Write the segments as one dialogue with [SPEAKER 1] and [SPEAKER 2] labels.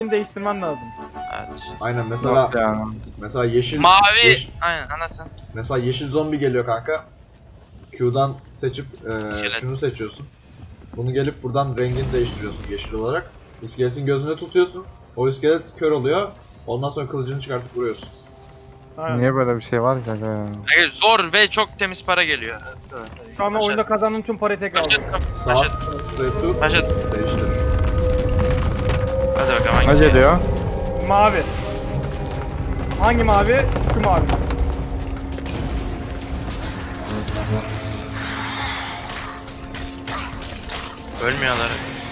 [SPEAKER 1] değiştirmen lazım.
[SPEAKER 2] Evet.
[SPEAKER 3] Aynen mesela yeşil
[SPEAKER 2] Mavi. Aynen anlatsın.
[SPEAKER 3] mesela yeşil zombi geliyor kanka. Q'dan seçip
[SPEAKER 2] İskelet.
[SPEAKER 3] şunu seçiyorsun. Bunu gelip buradan rengini değiştiriyorsun yeşil olarak. İskeletin gözüne tutuyorsun. O iskelet kör oluyor. Ondan sonra kılıcını çıkartıp vuruyorsun.
[SPEAKER 1] Aynen.
[SPEAKER 4] Niye böyle bir şey var ki aga ya?
[SPEAKER 2] Evet, zor ve çok temiz para geliyor.
[SPEAKER 1] Şu anda oyunda kazandığın tüm parayı tekrar aldım.
[SPEAKER 3] Sağ tıklayıp tut,
[SPEAKER 2] Başlat.
[SPEAKER 3] değiştir.
[SPEAKER 2] Hadi bakalım
[SPEAKER 4] Ne
[SPEAKER 2] hangisi?
[SPEAKER 4] geliyor?
[SPEAKER 1] Mavi. Hangi mavi? Şu mavi.
[SPEAKER 2] Ölmüyorlar.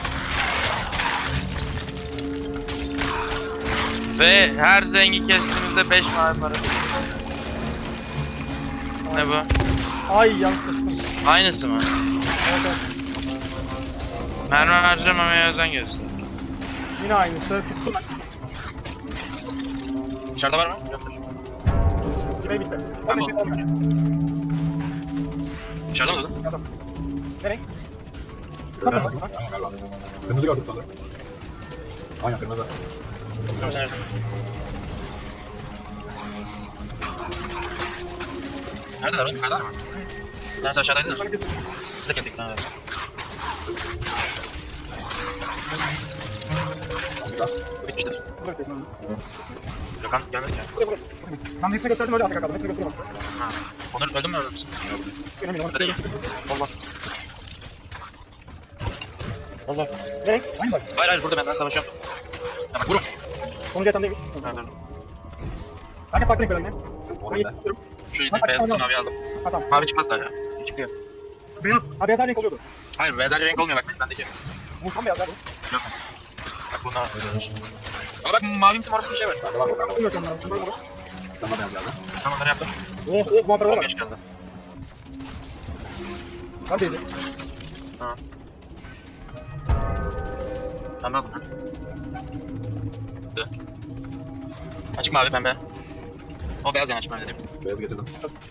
[SPEAKER 2] Ve her rengi kestiğimizde 5 mavi para. Ne bu?
[SPEAKER 1] Ay yanlış seçtim.
[SPEAKER 2] Aynısı mı?
[SPEAKER 1] Evet, evet.
[SPEAKER 2] Mermi harcamamaya özen göster.
[SPEAKER 1] Yine aynısı. Tuttum.
[SPEAKER 2] Dışarıda var mı? Yoktur.
[SPEAKER 1] Kime bitti?
[SPEAKER 2] Tamam.
[SPEAKER 1] Hadi olmuyor.
[SPEAKER 2] Dışarıda mı dedin?
[SPEAKER 1] Adam. Ne renk?
[SPEAKER 3] Aynen,
[SPEAKER 1] Kapı bak.
[SPEAKER 3] aynen galiba. Kırmızı gördük sanırım. Aynen kırmızı.
[SPEAKER 2] Tamam sen nerede? Neredeler oğlum? Yukarıdalar mı? Bir tanesi aşağıdaydı da. Siz de kestik. Tamam evet.
[SPEAKER 3] Güzel.
[SPEAKER 2] Bitmiştir.
[SPEAKER 1] Buraya koyayım.
[SPEAKER 2] Gökhan gelmedi ya.
[SPEAKER 1] Buraya, buraya. Ben hepsini gösterdim öyle arkaya kaldım. Hepsini göstereyim bak.
[SPEAKER 2] Ha. Onur öldün mü öldün müsün?
[SPEAKER 1] Önemli olan.
[SPEAKER 2] Hadi ya. Allah. Allah.
[SPEAKER 1] Ne renk? Aynı bak.
[SPEAKER 2] Hayır hayır burada ben savaşıyorum. Ya bak vurun.
[SPEAKER 1] Sonucu yatan değilmiş.
[SPEAKER 2] Ha, dur.
[SPEAKER 1] Herkes farklı renk böyle.
[SPEAKER 3] O
[SPEAKER 1] Ben
[SPEAKER 3] ne?
[SPEAKER 1] yetiştiriyorum.
[SPEAKER 2] Şu
[SPEAKER 1] Bak,
[SPEAKER 2] beyaz
[SPEAKER 1] tamam.
[SPEAKER 2] mavi aldım.
[SPEAKER 1] Ha tamam.
[SPEAKER 2] Mavi çıkmaz daha ya. Çıkıyor.
[SPEAKER 1] Beyaz. Ha beyaz her renk oluyordu.
[SPEAKER 2] Hayır beyaz renk olmuyor bak bendeki.
[SPEAKER 1] Vursam beyaz ya bu.
[SPEAKER 2] Yok. Bak bunda öyle. Ama bak mavimsi morumsu bir şey var.
[SPEAKER 3] Bende var mı? Bende var.
[SPEAKER 1] Bilmiyorum ben. Bunları bunu.
[SPEAKER 3] Bende beyaz geldi.
[SPEAKER 2] Tamam onları yaptım.
[SPEAKER 1] Oh oh muhabbet var.
[SPEAKER 2] 15 geldi.
[SPEAKER 1] Hadi.
[SPEAKER 2] Ha. Tamam aldım. Dur. Açık mavi pembe. O beyaz yani açık mavi dedim.
[SPEAKER 3] Beyaz getirdim.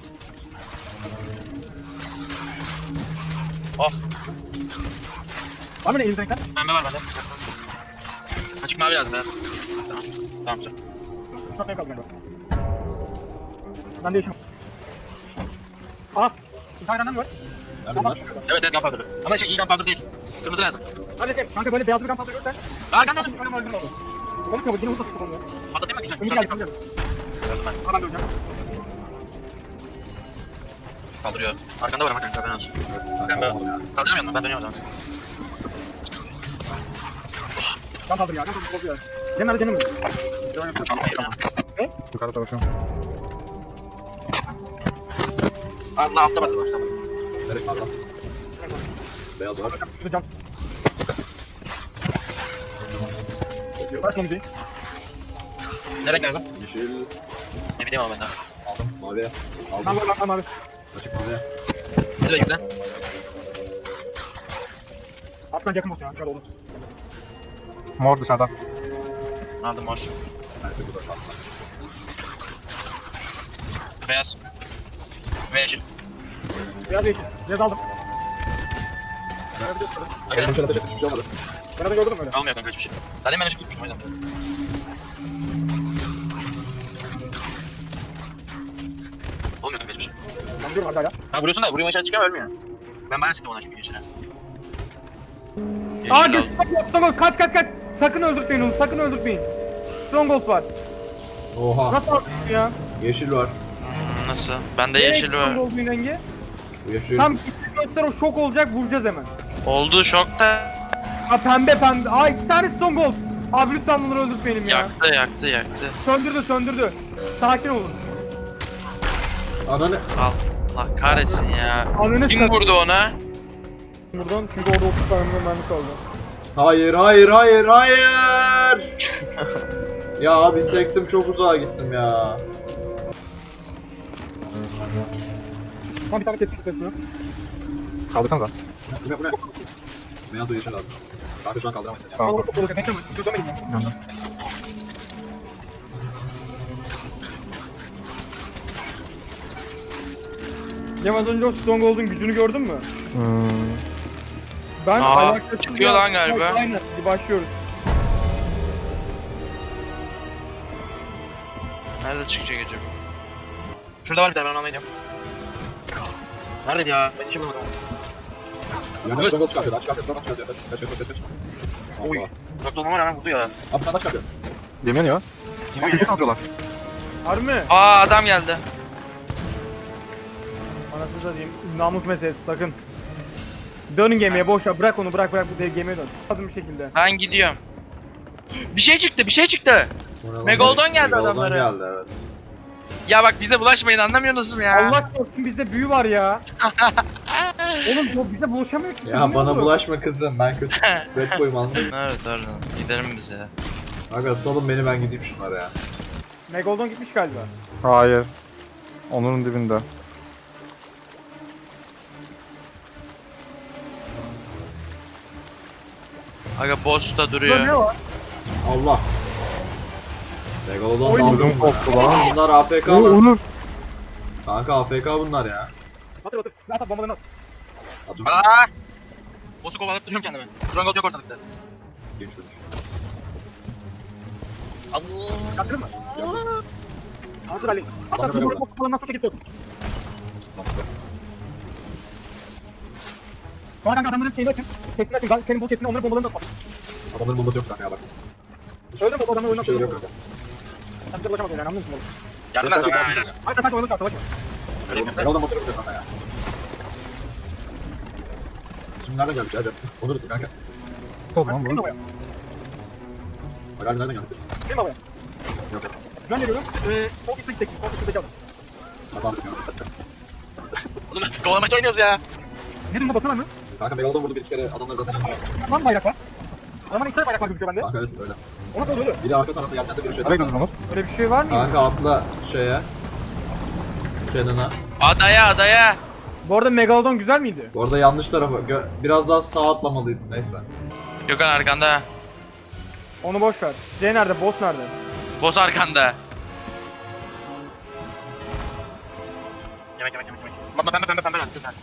[SPEAKER 2] Oh
[SPEAKER 1] Var mı ne elinizde renkler?
[SPEAKER 2] pembe var bende. Açık mavi lazım beyaz. Tamam. Tamam güzel.
[SPEAKER 1] Çok renk aldım ben. Ben değişim. Aa. Bir tane benden mi var?
[SPEAKER 3] Nerede bunlar?
[SPEAKER 2] Evet evet gunpowder. Ama şey iyi gunpowder değil. Kırmızı lazım.
[SPEAKER 1] Hadi gel. Kanka böyle beyaz bir kampanya görsen.
[SPEAKER 2] Arkandan
[SPEAKER 1] Bir tane öldürün oldu. Komik kabul. Yine hızlı tutulmuyor.
[SPEAKER 2] patlatayım mı? Güzel.
[SPEAKER 1] Ömür
[SPEAKER 2] Güzel.
[SPEAKER 1] geldi. Ömür geldi.
[SPEAKER 2] Gördüm ben.
[SPEAKER 1] Ha ben de öleceğim.
[SPEAKER 2] Kaldırıyor. Arkanda var ama kanka ben olsun.
[SPEAKER 3] Evet.
[SPEAKER 2] Ben
[SPEAKER 3] Tamam ya.
[SPEAKER 2] kaldıramıyorum ben dönüyorum o zaman.
[SPEAKER 1] Ben kaldır ya. Ben kaldır bozuyor. Cem nerede Cem'im mi?
[SPEAKER 4] Yukarı savaşıyorum.
[SPEAKER 2] Allah altta bak.
[SPEAKER 3] Nereye var lan? Beyaz var.
[SPEAKER 1] Şurada cam. Ver şunu müziği.
[SPEAKER 2] Ne renk lazım?
[SPEAKER 3] Yeşil.
[SPEAKER 2] Ne bileyim ama ben daha.
[SPEAKER 3] Aldım. Mavi.
[SPEAKER 1] Ben
[SPEAKER 3] Aldım.
[SPEAKER 1] var ben abi.
[SPEAKER 3] Açık mavi.
[SPEAKER 2] Ne renk güzel?
[SPEAKER 1] Artık yakın olsun ya. Şöyle olur.
[SPEAKER 4] Mor dışarıda.
[SPEAKER 2] Aldım mor.
[SPEAKER 3] Nerede bu da şanslı.
[SPEAKER 2] Beyaz. Ve yeşil.
[SPEAKER 1] Beyaz yeşil. Beyaz aldım.
[SPEAKER 3] Benim şöyle ateş etmiş bir şey olmadı.
[SPEAKER 1] Ben de gördüm öyle.
[SPEAKER 2] Almıyor kanka hiçbir şey. Zaten ben ışık tutmuşum o yüzden. Olmuyor kanka hiçbir şey.
[SPEAKER 1] Ben diyorum hala ya.
[SPEAKER 2] Ha vuruyorsun da vuruyor aşağı çıkıyor ölmüyor. Ben bayağı sıktım ona çünkü yeşile.
[SPEAKER 1] Aa
[SPEAKER 2] Yeşil
[SPEAKER 1] gel.
[SPEAKER 2] aldım.
[SPEAKER 1] Stronghold kaç kaç kaç. Sakın öldürtmeyin onu. Sakın öldürtmeyin. Stronghold var.
[SPEAKER 3] Oha.
[SPEAKER 1] Nasıl öldürtün ya?
[SPEAKER 3] Yeşil var.
[SPEAKER 2] Nasıl? Bende yeşil var.
[SPEAKER 1] Stronghold'un rengi.
[SPEAKER 3] Yeşil.
[SPEAKER 1] Tam gittik göster o şok olacak vuracağız hemen.
[SPEAKER 2] Oldu şokta.
[SPEAKER 1] Ha pembe pembe. Aa iki tane Stronghold. Abi lütfen bunları öldürtmeyelim ya.
[SPEAKER 2] Yaktı.
[SPEAKER 1] Söndürdü. Sakin olun.
[SPEAKER 3] Ananı.
[SPEAKER 2] Allah kahretsin ya.
[SPEAKER 1] Ananı
[SPEAKER 2] Kim
[SPEAKER 1] satayım.
[SPEAKER 2] vurdu ona?
[SPEAKER 1] Buradan çünkü orada 30 tane mermi kaldı.
[SPEAKER 3] Hayır. Ya abi sektim çok uzağa gittim ya.
[SPEAKER 1] Tamam bir tane kestik kesmiyor.
[SPEAKER 4] Kaldırsanıza.
[SPEAKER 3] Bu ne? Beyaz ve yeşil lazım. Kanka şu an kaldıramayız ya.
[SPEAKER 4] Tamam.
[SPEAKER 1] Tamam olur bekleme. Gözlemeyin ya.
[SPEAKER 4] Yandım.
[SPEAKER 1] Cem az önce o Stronghold'un gücünü gördün mü? Ben
[SPEAKER 2] Aa,
[SPEAKER 1] ayakta
[SPEAKER 2] çıkıyor lan galiba.
[SPEAKER 1] Aynen. Bir başlıyoruz.
[SPEAKER 2] Nerede çıkacak acaba? Şurada var bir tane, ben almayacağım. Neredeydi ya? Ben hiç bulamadım.
[SPEAKER 3] Yani jungle çıkartıyor. Lan çıkartıyor. Lan çıkartıyor. Kaç.
[SPEAKER 2] Oy. Uzakta olan var hemen vurdu ya.
[SPEAKER 3] Abi sen de çıkartıyor.
[SPEAKER 4] Yemin ya.
[SPEAKER 2] Yemin
[SPEAKER 4] Kimi
[SPEAKER 2] ya.
[SPEAKER 4] satıyorlar?
[SPEAKER 1] Harbi mi?
[SPEAKER 2] Aa adam geldi.
[SPEAKER 1] Anasını satayım. Namus meselesi sakın. Dönün gemiye boş ver. Bırak onu bırak bu dev gemiye dön. Lazım bir şekilde.
[SPEAKER 2] Ben gidiyorum. Bir şey çıktı. Megalodon geldi adamlara.
[SPEAKER 3] Megalodon geldi evet.
[SPEAKER 2] Ya bak bize bulaşmayın, anlamıyorsunuz mu ya?
[SPEAKER 1] Allah korusun bizde büyü var ya. Oğlum bu bize bulaşamıyor ki.
[SPEAKER 3] Ya bana bulaşma kızım. Ben kötü. Red boy'um anladın mı?
[SPEAKER 2] Evet pardon. Gidelim biz ya.
[SPEAKER 3] Aga salın beni ben gideyim şunlara ya.
[SPEAKER 1] Megalodon gitmiş galiba.
[SPEAKER 4] Hayır. Onur'un dibinde.
[SPEAKER 2] Aga boss da
[SPEAKER 1] Burada ne
[SPEAKER 2] duruyor.
[SPEAKER 1] var?
[SPEAKER 3] Allah. Megalodon
[SPEAKER 1] Oy,
[SPEAKER 3] daldım.
[SPEAKER 4] ödüm koptu lan.
[SPEAKER 3] Bunlar AFK
[SPEAKER 4] Oo,
[SPEAKER 3] lan.
[SPEAKER 4] Onur.
[SPEAKER 3] Kanka AFK bunlar ya.
[SPEAKER 1] Batır. At bombalarını at.
[SPEAKER 3] Acım.
[SPEAKER 2] Aa! Boss'u kovalatıp duruyorum kendime. Strangold yok ortalıkta.
[SPEAKER 3] Genç çocuk.
[SPEAKER 2] Allah!
[SPEAKER 1] Kaçırır mı? Hazır Ali.
[SPEAKER 3] Bana
[SPEAKER 1] At
[SPEAKER 3] böyle
[SPEAKER 1] bombalarını
[SPEAKER 3] bak.
[SPEAKER 1] bombalarını nasıl çekip sok. Sonra kanka adamların şeyini açın. Sesini açın. Senin bu sesini onların bombalarını da at.
[SPEAKER 3] Adamların bombası yok kanka ya bak.
[SPEAKER 1] Öyle mi? O adamı oyuna
[SPEAKER 3] Hiçbir şey yok kanka.
[SPEAKER 1] Sen bize ulaşamazsın yani anladın mı?
[SPEAKER 2] Yardım
[SPEAKER 3] Sen
[SPEAKER 2] et
[SPEAKER 3] çek
[SPEAKER 2] bana.
[SPEAKER 3] abi.
[SPEAKER 1] Hayır sen oyunu çağır savaş.
[SPEAKER 2] Öyle yapayım.
[SPEAKER 3] Megalodon bombası yok kanka ya. Şimdi nereden geldik ya? Onur tuttu kanka.
[SPEAKER 4] Sol lan
[SPEAKER 1] Benim
[SPEAKER 4] bu.
[SPEAKER 1] babaya.
[SPEAKER 3] Bak hadi nereden geldik biz?
[SPEAKER 1] Benim babaya.
[SPEAKER 3] Yok yok.
[SPEAKER 1] Ben geliyorum. Sol üstte gidecek. Sol üstte gidecek.
[SPEAKER 3] Adam tutuyor.
[SPEAKER 2] Oğlum kovalamaç oynuyoruz ya.
[SPEAKER 1] Ne durumda basana mı?
[SPEAKER 3] Kanka Megalodon vurdu bir iki kere adamları zaten yanıyor.
[SPEAKER 1] Lan bayrak var. Adamın iki tane bayrak var gözüküyor bende.
[SPEAKER 3] Kanka evet öyle.
[SPEAKER 1] Ona da oluyor.
[SPEAKER 3] Bir de arka tarafta yerlerde bir şey.
[SPEAKER 4] Nereye gidiyorsun Onur?
[SPEAKER 1] Öyle bir şey var mı?
[SPEAKER 3] Kanka atla şeye. Kenan'a.
[SPEAKER 2] Adaya.
[SPEAKER 1] Bu arada Megalodon güzel miydi?
[SPEAKER 3] Bu arada yanlış tarafa. Biraz daha sağa atlamalıydım neyse.
[SPEAKER 2] Gökhan arkanda.
[SPEAKER 1] Onu boş ver. C nerede? Boss nerede?
[SPEAKER 2] Boss arkanda. Yemek. Baba pembe at Gökhan.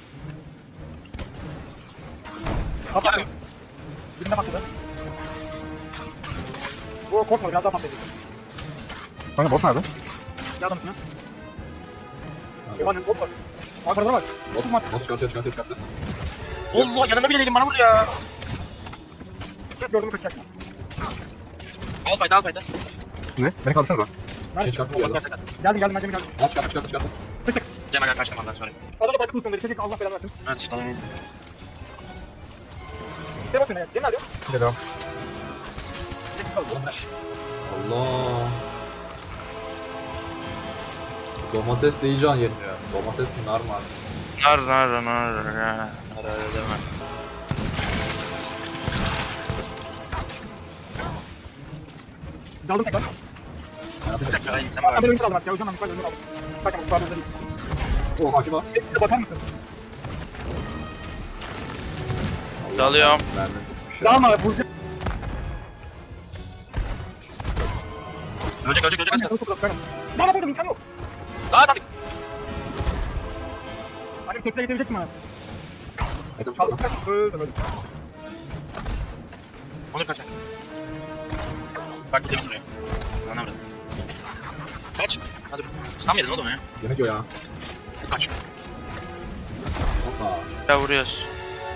[SPEAKER 1] Kapat. Birine patladı. Bu korkma biraz daha patlayacak.
[SPEAKER 4] Kanka boss nerede?
[SPEAKER 1] Yardım üstüne. Yamanın bot var. Arkada var.
[SPEAKER 3] Boss çıkartıyor.
[SPEAKER 2] Allah yanında bile değilim, bana vur ya.
[SPEAKER 1] Kes gördüğümü kaçacaksın.
[SPEAKER 2] Al fayda.
[SPEAKER 4] Ne? Beni kaldırsanıza.
[SPEAKER 3] Şey çıkartıyor ya.
[SPEAKER 1] Geldim.
[SPEAKER 3] Al çıkarttı.
[SPEAKER 2] Cem aga kaçtım Allah sonra.
[SPEAKER 1] Adamı da tutsun dedi. Çekik Allah belanı versin.
[SPEAKER 2] Evet işte.
[SPEAKER 1] İşte bakın ya. Cem nerede?
[SPEAKER 4] Geliyorum.
[SPEAKER 1] Çekik kaldı.
[SPEAKER 3] Allah. Domates de iyi can yeniliyor. Domates mi nar mı artık?
[SPEAKER 2] Nar ya. Nar deme.
[SPEAKER 1] Daldım tekrar.
[SPEAKER 2] Bir dakika ay sen
[SPEAKER 1] Ben
[SPEAKER 2] bak.
[SPEAKER 1] böyle önce aldım artık ya. O yüzden ben yukarı önce aldım. Bakın bu kadar değil.
[SPEAKER 3] O hakim var.
[SPEAKER 1] Bir de bakar mısın?
[SPEAKER 2] Dalıyorum.
[SPEAKER 3] Mermi tutmuş ya.
[SPEAKER 1] Dalma Burcu.
[SPEAKER 2] Ölecek.
[SPEAKER 1] Bana vurdum imkan yok.
[SPEAKER 2] Aa tabii.
[SPEAKER 1] Annem tekrar getirecek mi bana?
[SPEAKER 3] Etim
[SPEAKER 1] Çaldım.
[SPEAKER 3] çıkarttı.
[SPEAKER 1] Öldüm.
[SPEAKER 2] Onu kaç. Bak bir temiz buraya. Anlamadım. Kaç. Hadi. Sen mi yedin oğlum ya?
[SPEAKER 3] Yemek yiyor ya.
[SPEAKER 2] Kaç.
[SPEAKER 3] Hoppa.
[SPEAKER 2] Ya vuruyoruz.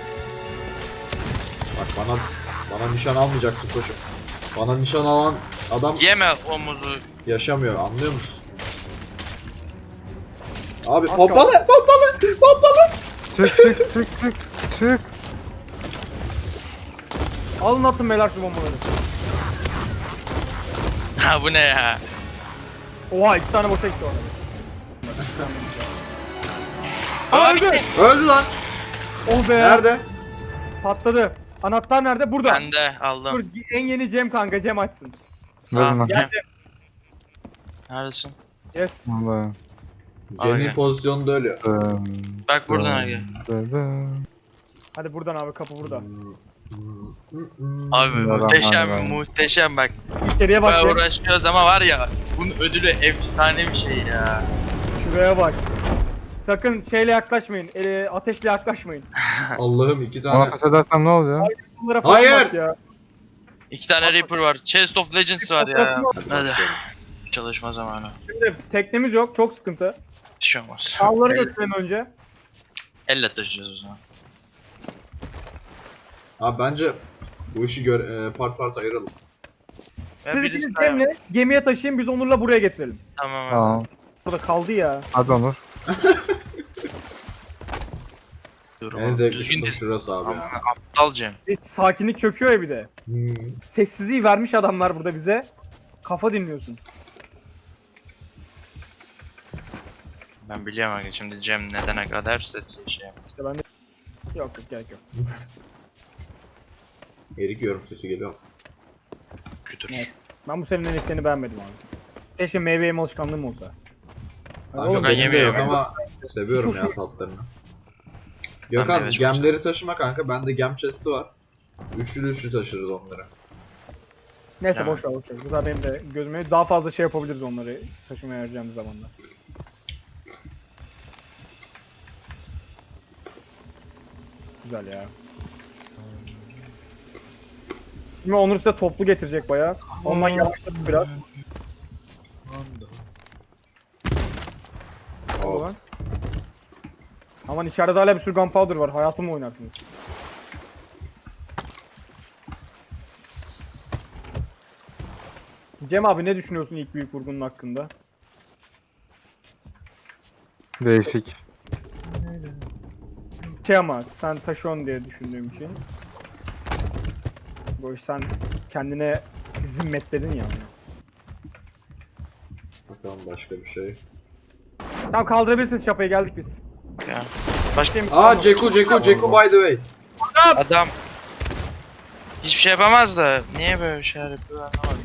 [SPEAKER 3] Bak bana nişan almayacaksın koçum. Bana nişan alan adam
[SPEAKER 2] Yeme omuzu.
[SPEAKER 3] yaşamıyor anlıyor musun? Abi
[SPEAKER 1] Az
[SPEAKER 3] pompalı.
[SPEAKER 4] Çık.
[SPEAKER 1] Alın attım beyler şu bombaları.
[SPEAKER 2] Ha bu ne ya?
[SPEAKER 1] Oha 2 tane boşa gitti orada.
[SPEAKER 2] Aa bitti.
[SPEAKER 3] Öldü lan.
[SPEAKER 1] Oh be.
[SPEAKER 3] Nerede?
[SPEAKER 1] Patladı. Anahtar nerede? Burada.
[SPEAKER 2] Ben de
[SPEAKER 1] Dur
[SPEAKER 2] aldım.
[SPEAKER 1] en yeni Cem kanka Cem açsın.
[SPEAKER 4] Verin lan.
[SPEAKER 1] Geldi.
[SPEAKER 2] Neredesin?
[SPEAKER 1] Yes.
[SPEAKER 4] Vallahi.
[SPEAKER 3] Jenny
[SPEAKER 2] Abi.
[SPEAKER 3] pozisyonunda ölüyor.
[SPEAKER 2] Bak buradan Erge.
[SPEAKER 1] Hadi buradan abi kapı burada.
[SPEAKER 2] Abi
[SPEAKER 4] Bismillahirrahmanirrahim.
[SPEAKER 2] muhteşem bak.
[SPEAKER 1] İçeriye bak.
[SPEAKER 2] Bayağı
[SPEAKER 1] Cem.
[SPEAKER 2] uğraşıyoruz ama var ya bunun ödülü efsane bir şey ya.
[SPEAKER 1] Şuraya bak. Sakın şeyle yaklaşmayın. Ateşle yaklaşmayın.
[SPEAKER 3] Allah'ım 2
[SPEAKER 4] Ona
[SPEAKER 3] tane.
[SPEAKER 4] ateş edersem ne oluyor?
[SPEAKER 1] Bunlara falan
[SPEAKER 3] Hayır.
[SPEAKER 1] bak ya.
[SPEAKER 2] 2 tane Reaper var. Chest of Legends var ya. Hadi. Çalışma zamanı.
[SPEAKER 1] Şimdi teknemiz yok. Çok sıkıntı.
[SPEAKER 2] Bir şey olmaz.
[SPEAKER 1] Avları götürelim önce.
[SPEAKER 2] Elle taşıyacağız o zaman.
[SPEAKER 3] Abi bence bu işi part part ayıralım.
[SPEAKER 2] Ya
[SPEAKER 1] Siz
[SPEAKER 2] birisi
[SPEAKER 1] ikiniz
[SPEAKER 2] daha-
[SPEAKER 1] Cem'le gemiye taşıyın, biz Onur'la buraya getirelim.
[SPEAKER 2] Tamam abi.
[SPEAKER 4] Tamam.
[SPEAKER 1] Burada kaldı ya.
[SPEAKER 4] Hadi Onur.
[SPEAKER 2] Dur
[SPEAKER 3] En
[SPEAKER 2] oğlum,
[SPEAKER 3] zevkli
[SPEAKER 2] düzgün
[SPEAKER 3] kısım
[SPEAKER 2] diz.
[SPEAKER 3] şurası abi
[SPEAKER 2] Aman
[SPEAKER 3] ya.
[SPEAKER 2] aptal Cem.
[SPEAKER 1] Sakinlik çöküyor ya bir de.
[SPEAKER 3] Hmm.
[SPEAKER 1] Sessizliği vermiş adamlar burada bize. Kafa dinliyorsun.
[SPEAKER 2] Ben biliyorum abi şimdi Cem nedene kadar şey yapmaz.
[SPEAKER 1] İşte ben de... Yok gerek yok.
[SPEAKER 3] Erik yiyorum sesi geliyor.
[SPEAKER 2] Kütür.
[SPEAKER 1] Evet. Ben bu senin eliklerini beğenmedim abi. Keşke meyve yeme alışkanlığım olsa. Ay,
[SPEAKER 3] Abi
[SPEAKER 1] oğlum,
[SPEAKER 2] ben
[SPEAKER 3] benim de
[SPEAKER 2] yemiyorum.
[SPEAKER 3] yok ama seviyorum
[SPEAKER 1] Hiç
[SPEAKER 3] ya
[SPEAKER 1] hoşuma-
[SPEAKER 3] tatlarını.
[SPEAKER 2] Ben de
[SPEAKER 3] Gökhan
[SPEAKER 2] evet, çok
[SPEAKER 3] gemleri taşıma kanka. Bende gem chest'i var. Üçlü taşırız onları.
[SPEAKER 1] Neyse
[SPEAKER 2] Ha.
[SPEAKER 1] boş ver boş ver. Bu da benim de gözüme daha fazla şey yapabiliriz onları taşımaya harcayacağımız zamanda. Güzel ya. Şimdi Onur size toplu getirecek bayağı. Ondan yavaşladık biraz.
[SPEAKER 3] Oh.
[SPEAKER 1] Ulan. Aman içeride hala bir sürü gunpowder var. Hayatımla oynarsınız. Cem abi ne düşünüyorsun ilk büyük vurgunun hakkında?
[SPEAKER 4] Değişik.
[SPEAKER 1] Şey ama sen taşıyorsun diye düşündüğüm için. Bu iş sen kendine zimmetledin ya.
[SPEAKER 3] Bakalım başka bir şey.
[SPEAKER 1] Tamam kaldırabilirsiniz çapayı geldik biz.
[SPEAKER 2] Ya. Başka
[SPEAKER 3] Aa Ceku by the way.
[SPEAKER 2] adam hiçbir şey yapamaz da niye böyle şeyler yapıyor anlamadım.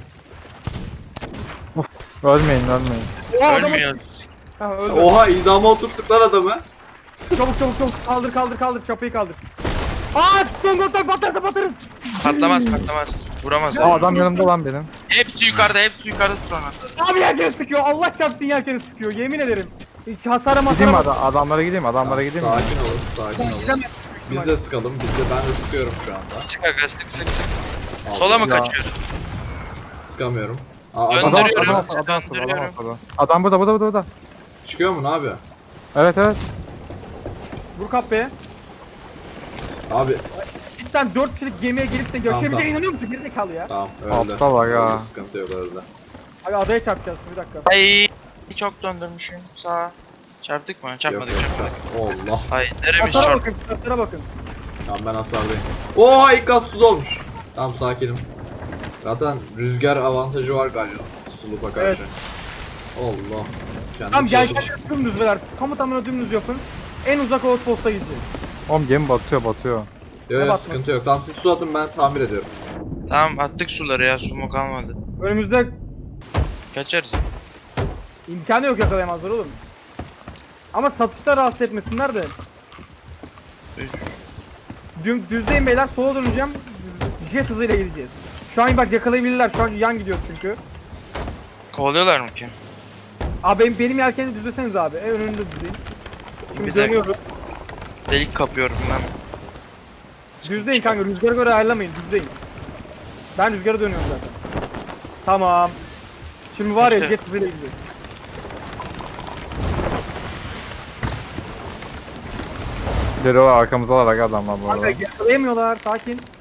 [SPEAKER 4] Ölmeyin.
[SPEAKER 1] Oha, adamı-
[SPEAKER 2] Ölmüyor.
[SPEAKER 1] Ha, öldü.
[SPEAKER 3] Oha idama oturttuk lan adamı.
[SPEAKER 1] Çabuk kaldır çapayı kaldır. Aa Stone Cold batarsa batarız.
[SPEAKER 2] Patlamaz. Vuramaz.
[SPEAKER 4] Aa adam yanımda lan benim.
[SPEAKER 2] Hepsi yukarıda sonra.
[SPEAKER 1] Abi yelkeni sıkıyor. Allah çarpsın yelkeni sıkıyor. Yemin ederim. Hiç hasara
[SPEAKER 4] Gideyim
[SPEAKER 1] masara bak.
[SPEAKER 4] adamlara gideyim. Adamlara gideyim.
[SPEAKER 3] Sakin olun. Biz de sıkalım. Ben de sıkıyorum şu anda.
[SPEAKER 2] Çık aga sık.
[SPEAKER 3] Aldım.
[SPEAKER 2] Sola mı
[SPEAKER 4] Ya.
[SPEAKER 2] kaçıyor?
[SPEAKER 3] Sıkamıyorum. Aa,
[SPEAKER 2] Gönder-
[SPEAKER 3] adam
[SPEAKER 2] Döndürüyorum.
[SPEAKER 4] Adam. Adam burada.
[SPEAKER 3] çıkıyor mu ne abi?
[SPEAKER 4] Evet.
[SPEAKER 1] Vur kapıya.
[SPEAKER 3] Abi
[SPEAKER 1] Cidden 4 kişilik gemiye gelip de yaşayabileceğine
[SPEAKER 3] tamam.
[SPEAKER 1] inanıyor musun? Gerizekalı ya.
[SPEAKER 3] tamam öldü.
[SPEAKER 4] Aptal bak ya.
[SPEAKER 3] Öldü, sıkıntı yok öldü.
[SPEAKER 1] Abi adaya çarpacağız bir dakika.
[SPEAKER 2] Ay çok döndürmüşüm. Sağa. Çarptık mı?
[SPEAKER 3] Yok
[SPEAKER 2] Çarpmadık.
[SPEAKER 3] Allah.
[SPEAKER 2] Ay neremiş
[SPEAKER 1] Hasara
[SPEAKER 2] çarp?
[SPEAKER 1] bakın, hasara bakın.
[SPEAKER 3] Tamam ben hasardayım. Oha ilk kat suda olmuş. Tamam sakinim. Zaten rüzgar avantajı var galiba sulupa karşı.
[SPEAKER 1] Evet.
[SPEAKER 3] Allah.
[SPEAKER 1] Tamam gel
[SPEAKER 3] çözmüş.
[SPEAKER 1] gel dümdüz ver. Tamına dümdüz yapın. En uzak outpost'a gideceğiz.
[SPEAKER 4] Oğlum gemi batıyor.
[SPEAKER 3] Yok
[SPEAKER 1] Ne
[SPEAKER 3] yok
[SPEAKER 1] batma?
[SPEAKER 3] sıkıntı yok. Tamam siz su atın ben tamir ediyorum.
[SPEAKER 2] Tamam attık suları ya su mu kalmadı.
[SPEAKER 1] Önümüzde
[SPEAKER 2] Kaçarız.
[SPEAKER 1] imkanı yok yakalayamazlar oğlum. Ama satışta rahatsız etmesinler de. Düzdeyim beyler sola döneceğim. Jet hızıyla gideceğiz. Şu an bak yakalayabilirler. Şu an yan gidiyoruz çünkü.
[SPEAKER 2] Kovalıyorlar mı ki?
[SPEAKER 1] Abi benim yelkeni düzleseniz abi. Önünde düzleyin. Şimdi
[SPEAKER 2] Bir dakika.
[SPEAKER 1] dönüyoruz.
[SPEAKER 2] Delik kapıyorum ben.
[SPEAKER 1] Düzleyin kanka. Rüzgara göre ayarlamayın. Düzleyin. Ben rüzgara dönüyorum zaten. Tamam. Şimdi var ya
[SPEAKER 2] İşte.
[SPEAKER 1] jet hızıyla gidiyoruz.
[SPEAKER 4] Geliyorlar arkamıza alarak adamlar bu arada.
[SPEAKER 1] Kanka yakalayamıyorlar. Sakin.